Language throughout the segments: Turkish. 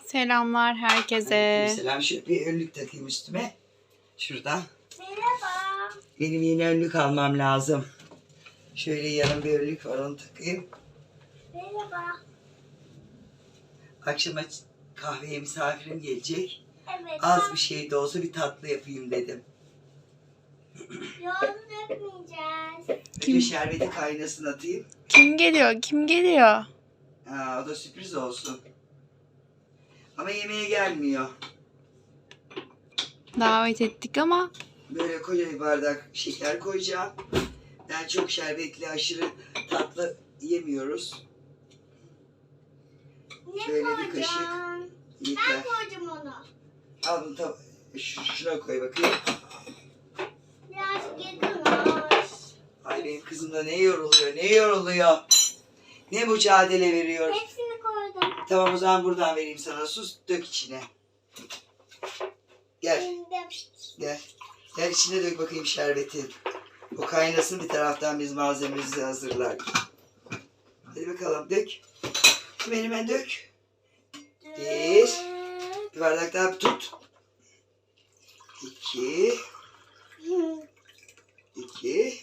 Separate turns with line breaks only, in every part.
Selamlar herkese.
Selam, şöyle bir önlük takayım üstüme. Şuradan.
Merhaba.
Benim yeni önlük almam lazım. Şöyle yarın bir önlük var, onu takayım.
Merhaba.
Akşama kahveye misafirim gelecek.
Evet.
Az bir şey de olsa bir tatlı yapayım dedim.
Yolunu dökmeyeceğiz.
Önce şerbeti kaynasın atayım.
Kim geliyor? Kim geliyor?
Ha, o da sürpriz olsun. Ama yemeğe gelmiyor.
Davet ettik ama
Böyle koca bir bardak şeker koyacağım. Ben çok şerbetli, aşırı tatlı yemiyoruz.
Ne
Şöyle bir
koyacağım?
kaşık.
Ben
Yeter.
koyacağım onu.
Al bunu şuna koy bakayım.
Birazcık yakınlaş.
Ay benim kızım da ne yoruluyor. Ne mücadele veriyor.
Hepsini koydum.
Tamam, o zaman buradan vereyim sana. Sus, dök içine. Gel,
Şimdi
gel. Gel içine dök bakayım şerbeti. O kaynasın, bir taraftan biz malzememizi hazırlarız. Hadi bakalım, dök. Hemen dök. Bir bardak daha tut. 2.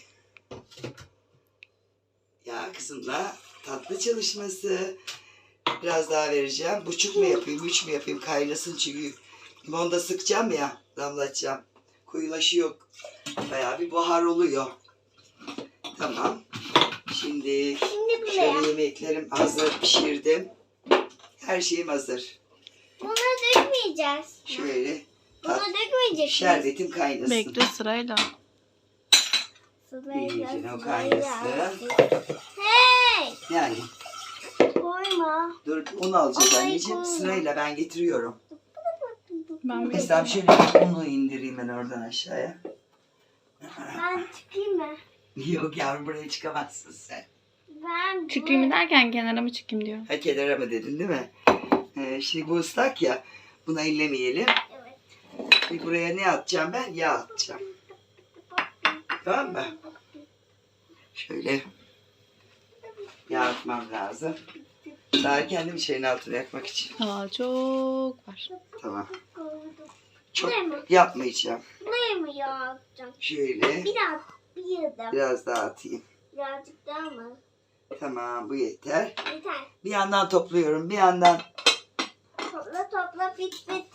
Ya kızımla tatlı çalışması. Biraz daha vereceğim. 1,5 mu yapayım, 3 mü yapayım? Kaynasın çünkü limonda sıkacağım ya, damlatacağım. Koyulaşıyor. Bayağı bir buhar oluyor. Tamam. Şimdi
buraya.
şöyle yemeklerim hazır, pişirdim. Her şeyim hazır.
Bunu dökmeyeceğiz.
Şöyle
Bunu dökmeyeceksiniz.
şerbetim kaynasın.
bekle sırayla.
İyice o kaynasın.
Hey!
Yani
Koyma.
dur, unu alacağız
Ay,
anneciğim.
koyma.
Sırayla ben getiriyorum.
Ben
Mesela şöyle bir unu indireyim ben oradan aşağıya.
Ben çıkayım mı?
Yok yavrum, buraya çıkamazsın sen.
Ben
çıkayım derken kenara mı çıkayım diyorum.
Ha, kenara mı dedin değil mi? Şimdi bu ıslak ya. Buna ellemeyelim.
Evet.
Şimdi buraya ne atacağım ben? Yağ atacağım. Tamam mı? Şöyle yağ atmam lazım. Daha kendim şeyin altını yakmak için.
Daha çok var.
Tamam.
Koydum.
Çok
Buraya mı?
yapmayacağım.
Buraya mı yapacağım?
Şöyle
Bir yudum.
biraz daha atayım.
Birazcık daha mı?
Tamam, bu yeter.
Yeter.
Bir yandan topluyorum, bir yandan
Topla bit bit.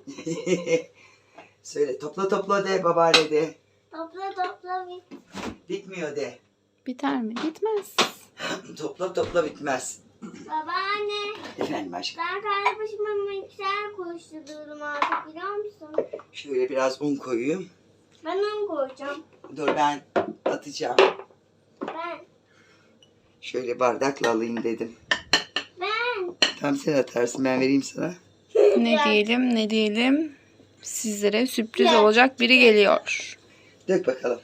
söyle, topla de babaanne de.
topla bit.
Bitmiyor de.
Biter mi? Bitmez.
Topla bitmez.
Babaanne.
Efendim aşkım.
Ben kendi başıma mikser koşturuyorum artık biliyor musun?
Şöyle biraz un koyayım.
Ben onu koyacağım.
Dur, ben atacağım.
Ben.
Şöyle bardakla alayım dedim.
Ben.
Tam sen atarsın, ben vereyim sana.
Ne diyelim. Sizlere sürpriz
Gel.
olacak biri geliyor.
Dök bakalım.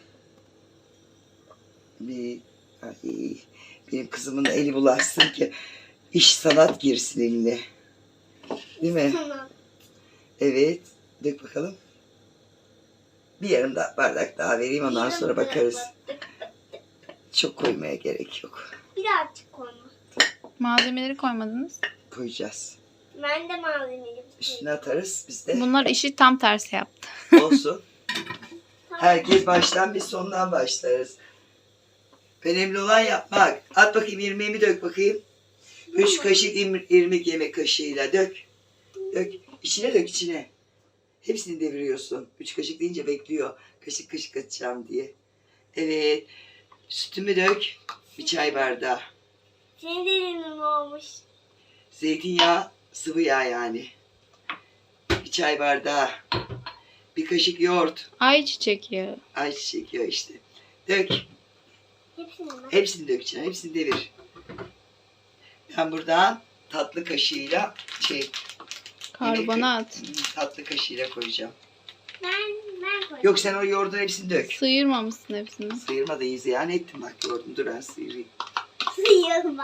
Benim kızımın da eli bulaşsın ki iş sanat girsin eline. Değil mi?
Tamam.
Evet. Dök bakalım. Bir yarım bardak daha vereyim, ondan sonra bakarız. Çok koymaya gerek yok.
Birazcık koyma.
Malzemeleri koymadınız.
Koyacağız.
Ben de malzemeyi
Üstüne atarız biz de.
Bunlar işi tam tersi yaptı.
Olsun. Herkes baştan, biz sondan başlarız. Önemli olan yapmak. At bakayım, irmiğimi dök bakayım. 3 kaşık irmik yemek kaşığıyla dök. Dök. İçine dök, içine. Hepsini deviriyorsun. 3 kaşık deyince bekliyor. Kaşık kaşık atacağım diye. Evet. Sütümü dök. Bir çay bardağı.
Senin dilinin olmuş.
Zeytinyağı, sıvı yağ yani. Bir çay bardağı. Bir kaşık yoğurt.
Ayçiçek yağı.
Ayçiçek yağı işte. Dök.
Hepsini mi?
Hepsini dökeceğim. Hepsini devir. Ben buradan tatlı kaşığıyla
Karbonat.
tatlı kaşığıyla koyacağım.
Ben koyacağım.
Yok, sen o yoğurdun hepsini dök.
Sıyırmamışsın hepsini.
Sıyırma da iyi ziyan ettim bak, yoğurdum. Dur ben sıyırayım.
Sıyırma.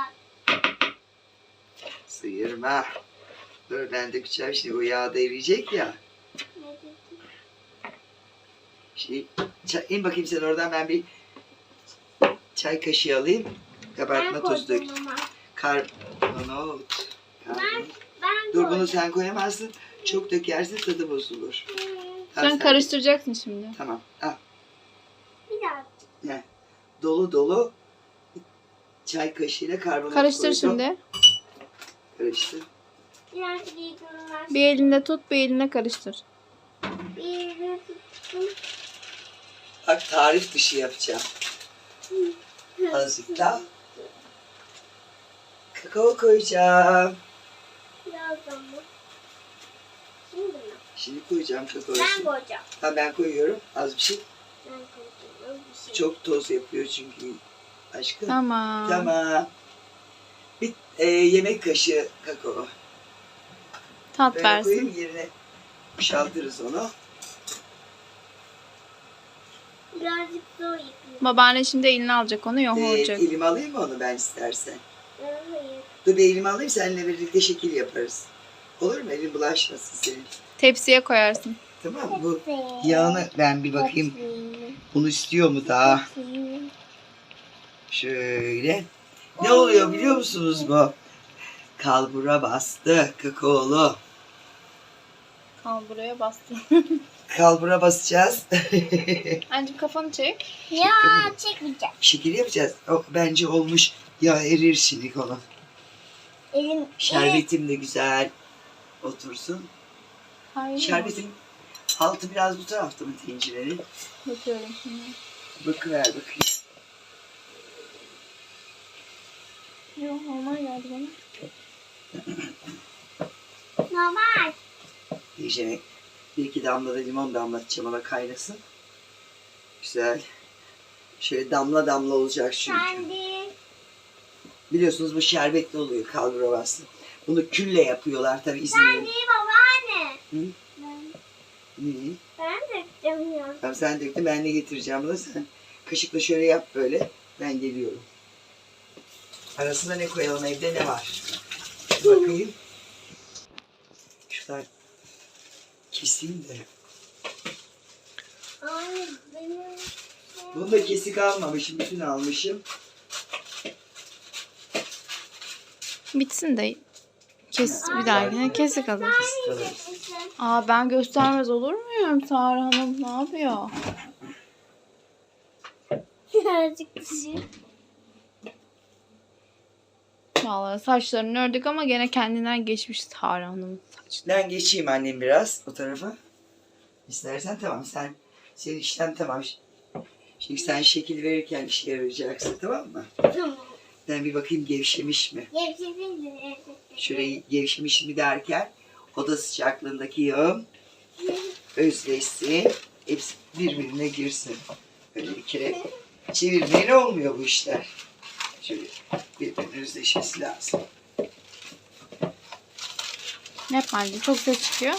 Sıyırma. Dur ben dökeceğim şimdi, o yağ da eriyecek ya. İn bakayım sen oradan, ben bir çay kaşığı alayım. Kabartma tozu dök.
koydum ama.
Karbonat.
Ben
Dur bunu sen koyamazsın. Çok dökersin tadı bozulur. Tamam,
Sen karıştıracaksın şimdi.
Tamam. Al.
Bir daha.
Ne? Dolu dolu çay kaşığıyla karbonat
Karıştır
koydum.
şimdi.
Karıştır.
Birazcık iyi durumlar.
Bir elinde tut, bir elinde karıştır.
Bir yere tuttum.
Bak tarif dışı yapacağım. Azıcık daha. Kakao koyacağım.
Birazdan mı? Şimdi mi?
Şimdi koyacağım kakaoyu.
Ben koyacağım.
Ha, ben koyuyorum. Az bir şey.
Ben koyacağım. Bir şey.
Çok toz yapıyor çünkü aşkım.
Tamam.
Tamam. Bir yemek kaşığı kakao.
Tat
Böyle
versin.
koyayım yerine boşaltırız onu.
Birazcık zor yapayım.
Babaanne şimdi eline alacak onu, yoğuracak.
Elime alayım mı onu ben istersen?
Hayır.
Dur bir elime alayım seninle birlikte şekil yaparız. Olur mu? Elin bulaşmasın senin.
Tepsiye koyarsın.
Tamam mı? Bu yağını ben bir bakayım. Bunu istiyor mu daha? Şöyle. Ne oluyor biliyor musunuz bu? Kalbura bastı kakaolu.
Al buraya bastı.
Kalbura basacağız.
Anneciğim kafanı çek.
Ya çekmeyeceğim.
Şekil yapacağız. O, bence olmuş. Ya erir şimdi onu.
Elim.
Şerbetim de güzel otursun.
Hayır.
Şerbetin altı biraz bu tarafta mı tencerenin?
Bakıyorum şimdi.
Bakıver bakayım.
Yok, normal geldi bana.
Normal.
Diyeceğim. Bir iki damla da limon damlatacağım ona kaynasın. Güzel. Şöyle damla damla olacak çünkü.
Sen de.
Biliyorsunuz bu şerbetli oluyor kalbura bastı. Bunu külle yapıyorlar tabii
Sen
İzmir'in.
de babaanne.
Hı?
Ben,
İyi.
ben döktüm ya.
Tamam sen döktün ben de getireceğim bunu sen. Kaşıkla şöyle yap böyle. Ben geliyorum. Arasında ne koyalım evde ne var? Bakayım. Şuradan keseyim de.
Ay benim.
Bunu da kesik almamışım. Bütün almışım.
Bitsin de kes bir dahakine kesik alır.
Kesik alırız.
Yiyeceksin.
Aa, ben göstermez olur muyum? Sara Hanım ne yapıyor?
Birazcık dışı.
Vallahi saçlarını ördük ama gene kendinden geçmiş Sara Hanım'ın saçları.
Ben geçeyim annem biraz o tarafa. İstersen tamam senin işlem tamam. Şimdi sen şekil verirken işe yarayacaksın tamam mı?
Tamam.
Ben bir bakayım gevşemiş mi?
Gevşedin mi?
Şöyle gevşemiş mi derken oda sıcaklığındaki yağım özleşsin. Hepsi birbirine girsin. Böyle bir kere çevirmeyle olmuyor bu işler. Şöyle birbirine özleşmesi lazım.
Ne yapalım? Çok ses çıkıyor.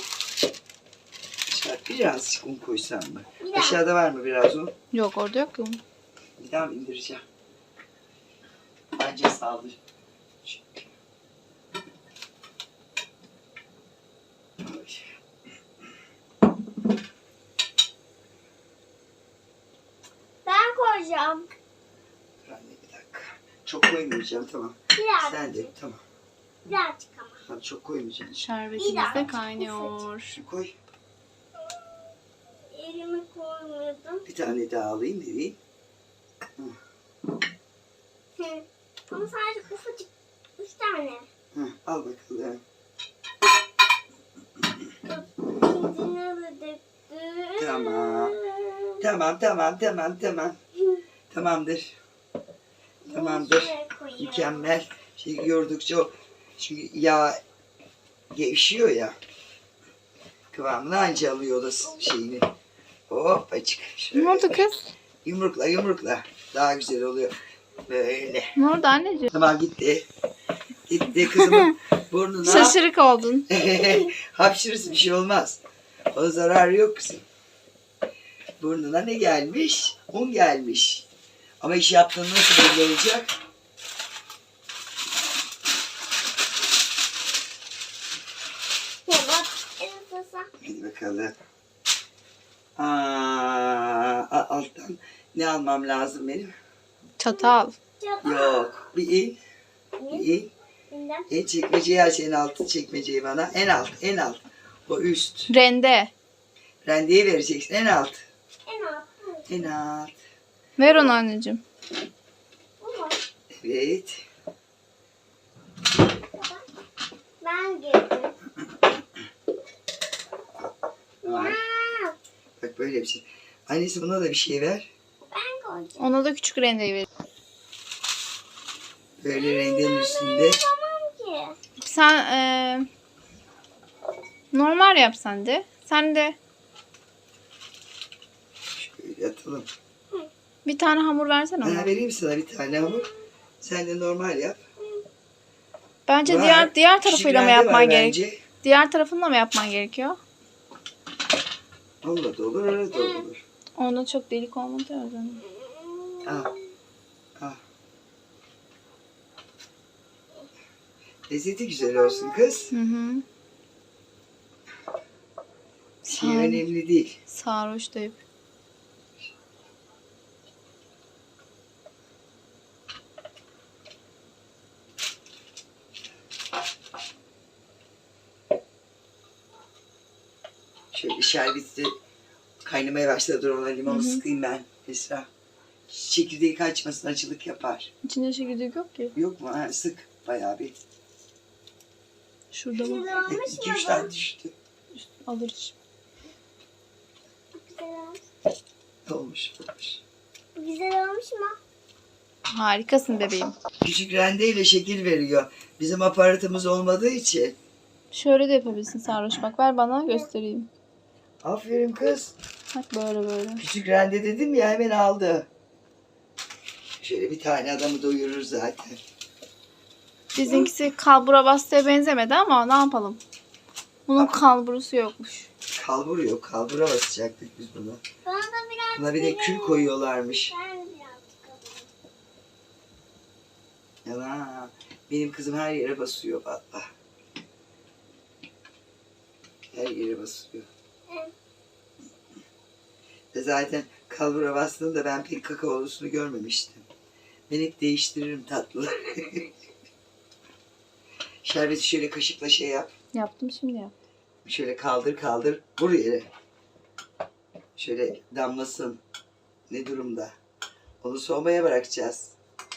Birazcık un koysam mı?
Biraz.
Aşağıda var mı biraz un?
Yok, orada yok ki.
Bir daha mı indireceğim? Bence sağlı.
Ben koyacağım.
Anne bir dakika. Çok koymayacağım tamam.
Birazcık.
Sen de tamam.
Birazcık ama.
Tamam çok koymayacağım.
Şerbetimiz de kaynıyor.
Şu koy.
Elimi koymadım.
Bir tane daha alayım vereyim.
Hı. Ama sadece ufacık. 3 tane.
Hı, al bakalım.
İkincini de döktüm.
Tamam. Tamam. Tamamdır. Tamamdır.
Şuraya koyayım.
Mükemmel. Şey yordukça o çünkü yağ gevşiyor ya. Kıvamını anca alıyor da şeyini. Hop açık.
Ne oldu kız?
Yumrukla. Daha güzel oluyor. Böyle.
Ne oldu anneciğim?
Tamam gitti. Gitti kızımın burnuna.
Şaşırık oldun.
Hapşırırsın bir şey olmaz. O zararı yok kızım. Burnuna ne gelmiş? Un gelmiş. Ama iş yaptığın nasıl belli olacak?
Bak. Ensasa.
Hadi bakalım. Alttan ne almam lazım benim?
Çatal.
Yok. Bir in. Bir in.
İndim.
Çekmeceyi aç, en altı çekmeceyi bana. En alt, en alt. O üst.
Rende.
Rendeyi vereceksin. En alt.
En alt.
En alt.
Ver onu anneciğim.
Bu mu?
Evet.
Ben girdim.
Var.
Ya,
Bak böyle bir şey. Annesi buna da bir şey ver.
ben koyacağım.
Ona da küçük rendeyi ver.
Böyle rendenin üstünde.
Tamam ki.
Sen normal yap sen de. Sen de
Şöyle atalım.
bir tane hamur versene
Ben
ona.
vereyim sana bir tane hamur. Sen de normal yap.
Bence
Var.
diğer
Küçük
tarafıyla mı
rende var
yapman gerek?
bence.
Diğer tarafınla mı yapman gerekiyor?
Onunla da olur, öyle de olur.
Onda çok delik olmadı ya o zaman.
Al. Al. Lezzeti güzel olsun kız.
Hı hı.
Şey önemli değil.
Sarhoş da yap.
Şöyle şerbeti kaynamaya başladı. Dur ona limonu
Hı hı.
sıkayım ben Esra. Çekirdeği kaçmasın, acılık yapar.
İçinde çekirdek yok ki.
Yok mu? Ha, sık bayağı bir.
Şurada bak.
Güzel olmuş mu
2-3
baba?
tane düştü.
Alırız.
Güzel olmuş.
Olmuş, olmuş.
Güzel olmuş mu?
Harikasın bebeğim.
Küçük rendeyle şekil veriyor. Bizim aparatımız olmadığı için.
Şöyle de yapabilirsin sarhoş. Bak ver bana göstereyim.
Aferin kız.
Bak böyle böyle.
Küçük rende dedim ya, hemen aldı. Şöyle bir tane adamı doyurur zaten.
Bizimkisi kalbura bastıya benzemedi ama ne yapalım. Bunun kalburusu yokmuş.
Kalbur yok. Kalbura basacaktık biz bunu.
Bana da biraz
Buna bir de kül koyuyorlarmış.
Ben birazcık alayım.
Yalan. Benim kızım her yere basıyor valla. Her yere basıyor.
Evet.
Ve zaten kalbura bastığında ben pek kakaolusunu görmemiştim. Ben hep değiştiririm tatlıları. Şerbeti şöyle kaşıkla şey yap.
Yaptım şimdi yap.
Şöyle kaldır kaldır. Vur yere. Şöyle damlasın. Ne durumda? Onu soğumaya bırakacağız.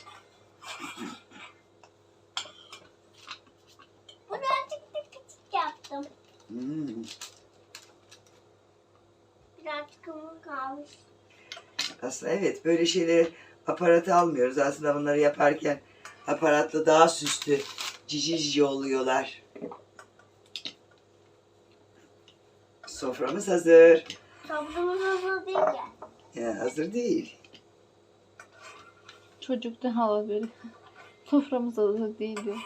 Birazcık da küçük yaptım.
Hmm.
Birazcık hamur kalmış.
Aslında evet, böyle şeyleri aparata almıyoruz. Aslında bunları yaparken aparatla daha süslü, cici cici oluyorlar. Soframız hazır.
Tablomuz hazır değil ya.
Ya, hazır değil.
Çocuk da hala böyle. Soframız hazır değil diyor.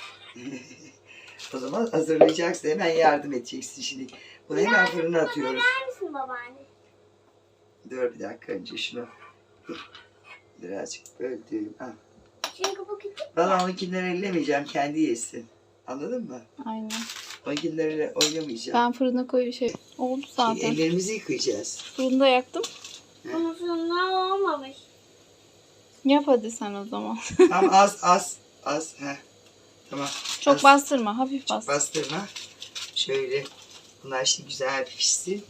O zaman hazırlayacaksın, hemen yardım edeceksin şimdi. Bunu hemen fırına atıyoruz.
Ver misin babaanne?
Dur bir dakika, önce şunu birazcık böldüm. Al.
Çünkü bu küçük.
Valla onunkileri ellemeyeceğim, kendi yesin. Anladın mı?
Aynen.
Onkinlerle oynamayacağım.
Ben fırına oldu zaten.
Ellerimizi yıkayacağız.
Fırında yaktım.
Bunun sonunda olmamış.
Yap hadi sen o zaman.
Tamam, az. Heh. Tamam.
Çok
Az.
bastırma. Hafif bas.
Bastırma. Şöyle. Bunlar şimdi güzel pişsin.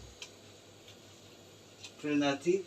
Fırına atayım.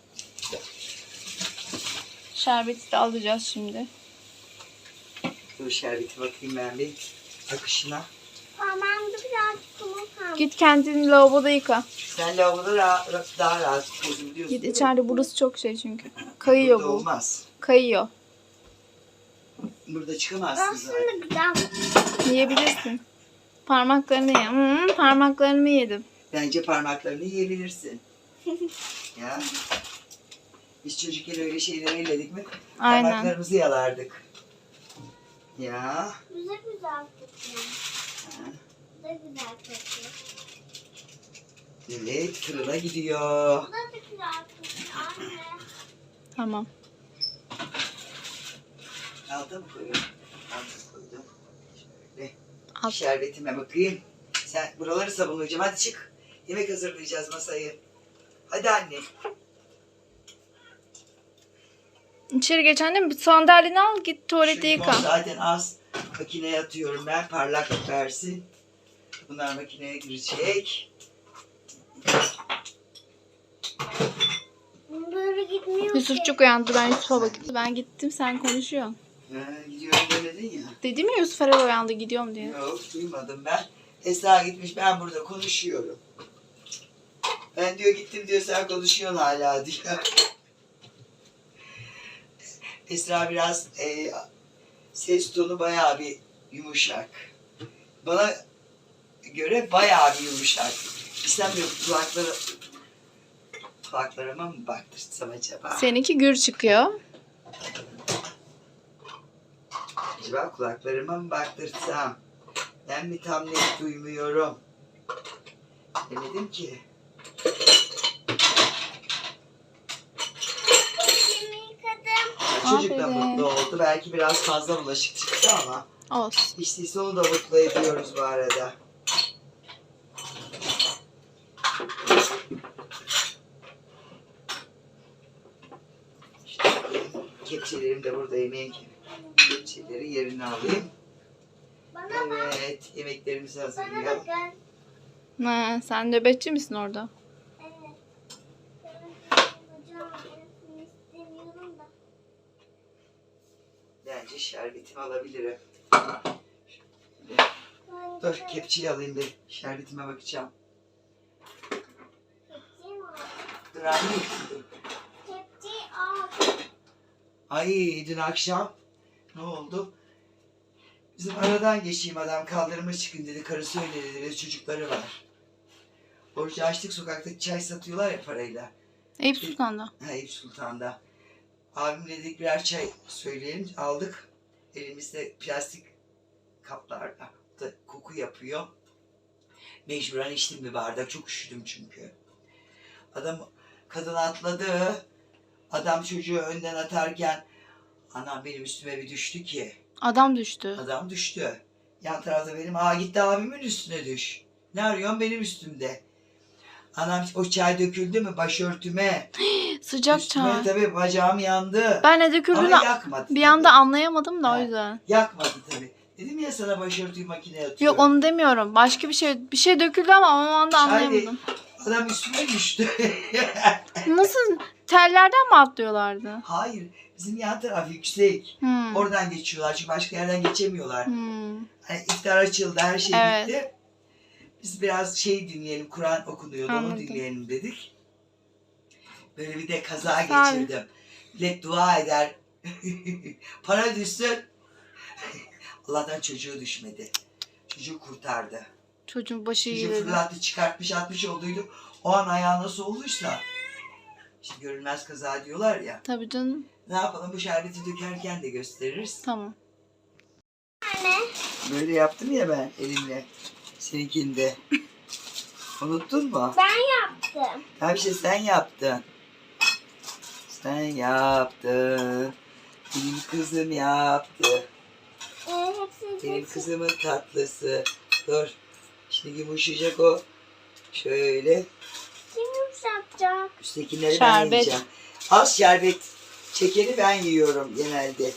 Şerbeti de alacağız şimdi.
Dur şerbeti bakayım ben bir akışına.
Parmağımda birazcık hamur kalmış.
Git kendini lavaboda yıka.
Sen lavaboda daha rahat çözüm
Git içeride, burası çok şey çünkü. Kayıyor
Burada
bu.
olmaz.
Kayıyor.
Burada çıkamazsın zaten.
Aslında güzel.
Yiyebilirsin. Parmaklarını ye. Parmaklarımı yedim.
Bence parmaklarını yiyebilirsin. Ya. Biz çocukken öyle şeyleri elledik mi?
Aynen.
Parmaklarımızı yalardık. Ya.
Güzel güzel kokuyor.
Ha.
Güzel güzel kokuyor.
Evet, fırına gidiyor.
Bu da güzel kokuyor anne.
Tamam.
Alta mı koyuyorum? Alta koydum. Şöyle.
Al.
Şerbetime bakayım. Sen buraları sabunlayacağım. Hadi çık. Yemek hazırlayacağız masayı. Hadi anne.
İçeri geç annem. Bir sandalyeni al, git tuvalete
Şu limon
yıka.
zaten az. Makineye atıyorum ben. Parlaklık versin. Bunlar makineye girecek.
Böyle gitmiyor ki.
Yusufçuk uyandı. Ben Yusuf'a bakıp ben gittim sen konuşuyorsun.
Gidiyorum demedin ya.
Dedim ya Yusuf herhalde uyandı gidiyorum diye.
Yok duymadım ben. Esra gitmiş ben burada konuşuyorum. Ben diyor gittim diyor sen konuşuyorsun hala diyor. Esra biraz ses tonu bayağı bir yumuşak. Bana göre bayağı bir yumuşak. İstemiyorum kulaklarıma mı baktırsam acaba?
Seninki gür çıkıyor.
Acaba kulaklarıma mı baktırsam? Ben mi tam net duymuyorum? Demedim ki.
Başımı yıkadım.
Çocuk da
Aferin.
mutlu oldu. Belki biraz fazla bulaşık çıktı ama
Olsun.
hiç değilse onu da mutlu ediyoruz bu arada. İşte kepçelerim de burada yemeğin kepçeleri yerine alayım.
Bana bak.
Evet, yemeklerimizi
Bana
hazırlayalım.
bakın.
Ha, sen nöbetçi misin orada?
Evet. Hocam ben istemiyorum da.
Bence şerbetimi alabilirim.
Ben
Dur, kepçeyi alayım bir. Şerbetime bakacağım.
Kepçeyi al.
Dur anne.
Kepçeyi al.
Ay dün akşam ne oldu? Bizim aradan geçeyim adam kaldırıma çıkın dedi. Karısı öyle dedi ve çocukları var. Orucu açtık sokakta çay satıyorlar ya parayla.
Eyüp Sultan'da.
Ha Eyüp Sultan'da. Abimle dedik birer çay söyleyelim. Aldık. Elimizde plastik kaplarda. Da koku yapıyor. Mecburen içtim bir bardak. Çok üşüdüm çünkü. Kadın atladı. Adam çocuğu önden atarken anam benim üstüme bir düştü ki.
Adam düştü.
Adam düştü. Yan tarafta benim gitti abimin üstüne düş. Ne arıyorsun benim üstümde. Anam o çay döküldü mü başörtüme.
Sıcak
Üstüme
çay.
tabii bacağım yandı.
Ben ne döküldüğünü
Ama yakmadı.
bir
tabii.
anda anlayamadım da o
He.
yüzden.
Yakmadı tabii. Dedim ya sana başörtüyü makineye atıyorum.
Yok onu demiyorum. Başka bir şey döküldü ama o anda
Çay
anlayamadım.
Adam üstüme düştü.
Nasıl? Tellerden mi atlıyorlardı?
Hayır. Bizim yan taraf yüksek.
Hmm.
Oradan geçiyorlar çünkü başka yerden geçemiyorlar.
Hmm.
Hani iftar açıldı, her şey
Evet.
bitti. Biz biraz şey dinleyelim, Kur'an okunuyordu, onu
Anladım.
dinleyelim dedik. Böyle bir de kaza
Sağ ol.
geçirdim. Millet dua eder. Para düşsün. Allah'tan çocuğu düşmedi. Çocuğu kurtardı.
Çocuğun başı iyi
Çocuğu
dedi.
fırlattı, çıkartmış, atmış olduydu. O an ayağı nasıl olduysa. İşte görülmez kaza diyorlar ya.
Tabii canım.
Ne yapalım, bu şerbeti dökerken de gösteririz.
Tamam.
Anne.
Böyle yaptım ya ben elimle. Seninkinde. Unuttun mu?
Ben yaptım.
Ha bir şey sen yaptın. Sen yaptın. Benim kızım yaptı. Benim kızımın tatlısı. Dur. Şimdi yumuşayacak o. Şöyle.
Kim yumuşatacak?
Üsttekileri ben
Şerbet.
yiyeceğim. Az şerbet çekeni ben yiyorum genelde.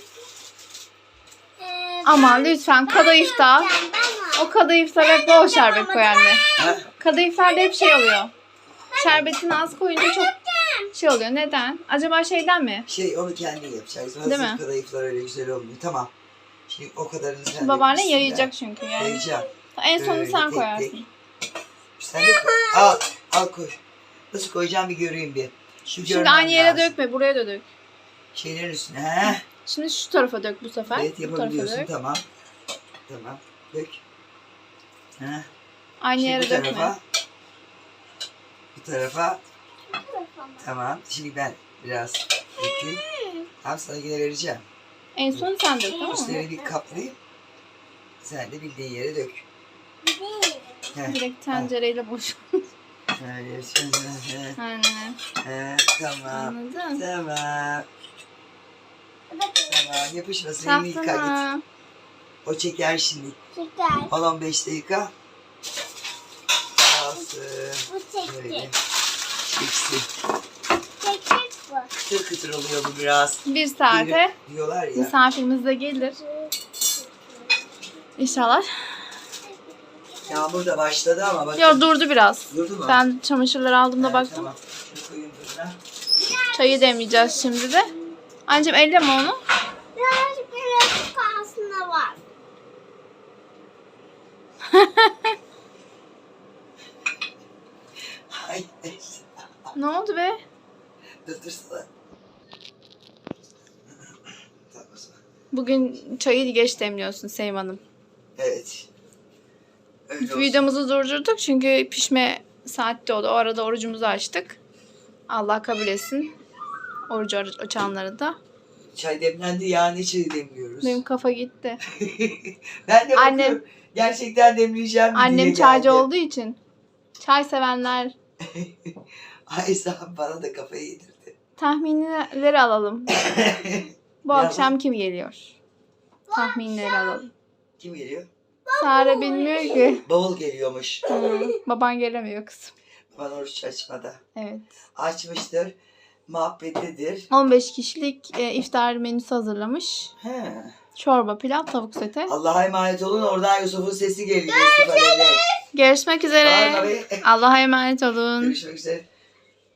Aman lütfen kadayıfta. O kadayıfta hep bol şerbet koy anne.
Ha?
Kadayıflarda hep şey oluyor. Şerbetini az koyunca çok şey oluyor. Neden? Acaba şeyden mi?
Onu kendin yapacaksın.
Değil
Hazır
mi?
kadayıflar öyle güzel olmuyor. Tamam. Şimdi o kadarını sen
Babaannen
yapmışsın
yayacak
ben.
çünkü yani.
Yayacağım.
En sonunu
Böyle
sen
tek
koyarsın.
tek. Sen de koy. Al koy. Nasıl koyacağım bir göreyim bir.
Şimdi aynı yere dökme. Buraya da dök.
Şeylerin üstüne. He?
Şimdi şu tarafa dök bu sefer.
Evet
Bu tarafa
yapabiliyorsun.
dök.
Tamam. Tamam. Dök. He.
Aynı
Şimdi
yere
bu
dökme.
tarafa. Bu tarafa. Tamam. Şimdi ben biraz dökeyim. Tamam sana yine vereceğim.
En son sen dök tamam mı?
Üstlerini bir kaplayayım. Sen de bildiğin yere dök. He.
Direkt tencereyle boş.
Şöyle şöyle.
Aynen.
He. Tamam.
Anladın?
Tamam. Tamam. Yapışmasın. Elini yıka git.
Tamam.
O çeker şimdi.
Şeker.
10-15 dakika. Kalsın.
Bu
Böyle.
çekti.
Çeksin.
Çekik bu.
Kıtır kıtır oluyor bu biraz.
Bir saate
Diyorlar ya.
misafirimiz de gelir. İnşallah.
Yağmur da başladı ama bakın.
Yok durdu biraz.
Durdu mu?
Ben çamaşırları aldığımda
Evet,
baktım.
Tamam. Şunu koyayım fırına.
Çayı demleyeceğiz şimdi de. Anneciğim elleme onu.
Birazcık birazcık aslında var.
Ay neyse.
Ne oldu be?
Durdursana. Tamam o zaman.
Bugün çayı geç demliyorsun Sevim Hanım.
Evet. Öyle olsun.
Videomuzu durdurduk çünkü pişme saatti oldu. O arada orucumuzu açtık. Allah kabul etsin. Orucu açanları da.
Çay demlendi ya, ne çayı demliyoruz?
Benim kafa gitti.
Ben de
Annem-
bakıyorum. Gerçekten demleyeceğim mi diye
Annem çaycı
geldi.
olduğu için. Çay sevenler
Ay sen bana da kafayı yedirdi.
tahminleri alalım. Bu
Ya
akşam kim geliyor? Tahminleri alalım.
Kim geliyor?
Sare bilmiyor ki.
Bavul geliyormuş.
Baban gelemiyor kızım.
Bana oruç açmada.
Evet.
Açmıştır. Muhabbetlidir.
15 kişilik iftar menüsü hazırlamış.
He.
Çorba, pilav, tavuk sote.
Allah'a emanet olun. Oradan Yusuf'un sesi geliyor. Yusuf Alev'le.
Görüşmek
Bağırma
üzere.
be.
Allah'a emanet olun.
Görüşmek üzere.